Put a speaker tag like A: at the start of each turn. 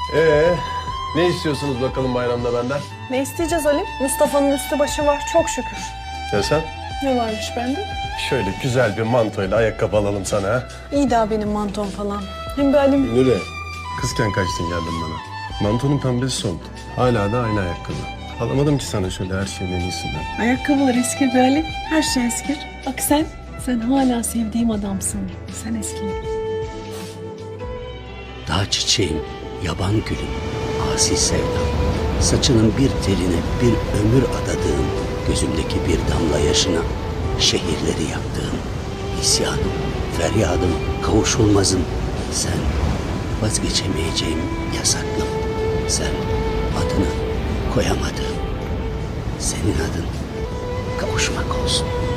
A: Ne istiyorsunuz bakalım bayramda benden?
B: Ne isteyeceğiz Ali? Mustafa'nın üstü başı var çok şükür.
A: Ya sen?
B: Ne varmış bende?
A: Şöyle güzel bir mantoyla ayakkabı alalım sana ha.
B: İyi daha benim mantom falan. Hem bir Ali'm
A: Nure, kızken kaçtın geldin bana. Mantonun pembesi soldu. Hala da aynı ayakkabı. Alamadım ki sana şöyle her şeyin en iyisinden.
B: ayakkabılar eskir be Ali. Her şey eskir. Bak sen hala sevdiğim adamsın. Sen eski.
C: Dağ çiçeğim, yaban gülüm, asi sevdam. Saçının bir teline bir ömür adadığım, gözümdeki bir damla yaşına şehirleri yaktığım. İsyanım, feryadım, kavuşulmazım. Sen vazgeçemeyeceğim yasaklım. Sen adını koyamadığım. Senin adın kavuşmak olsun.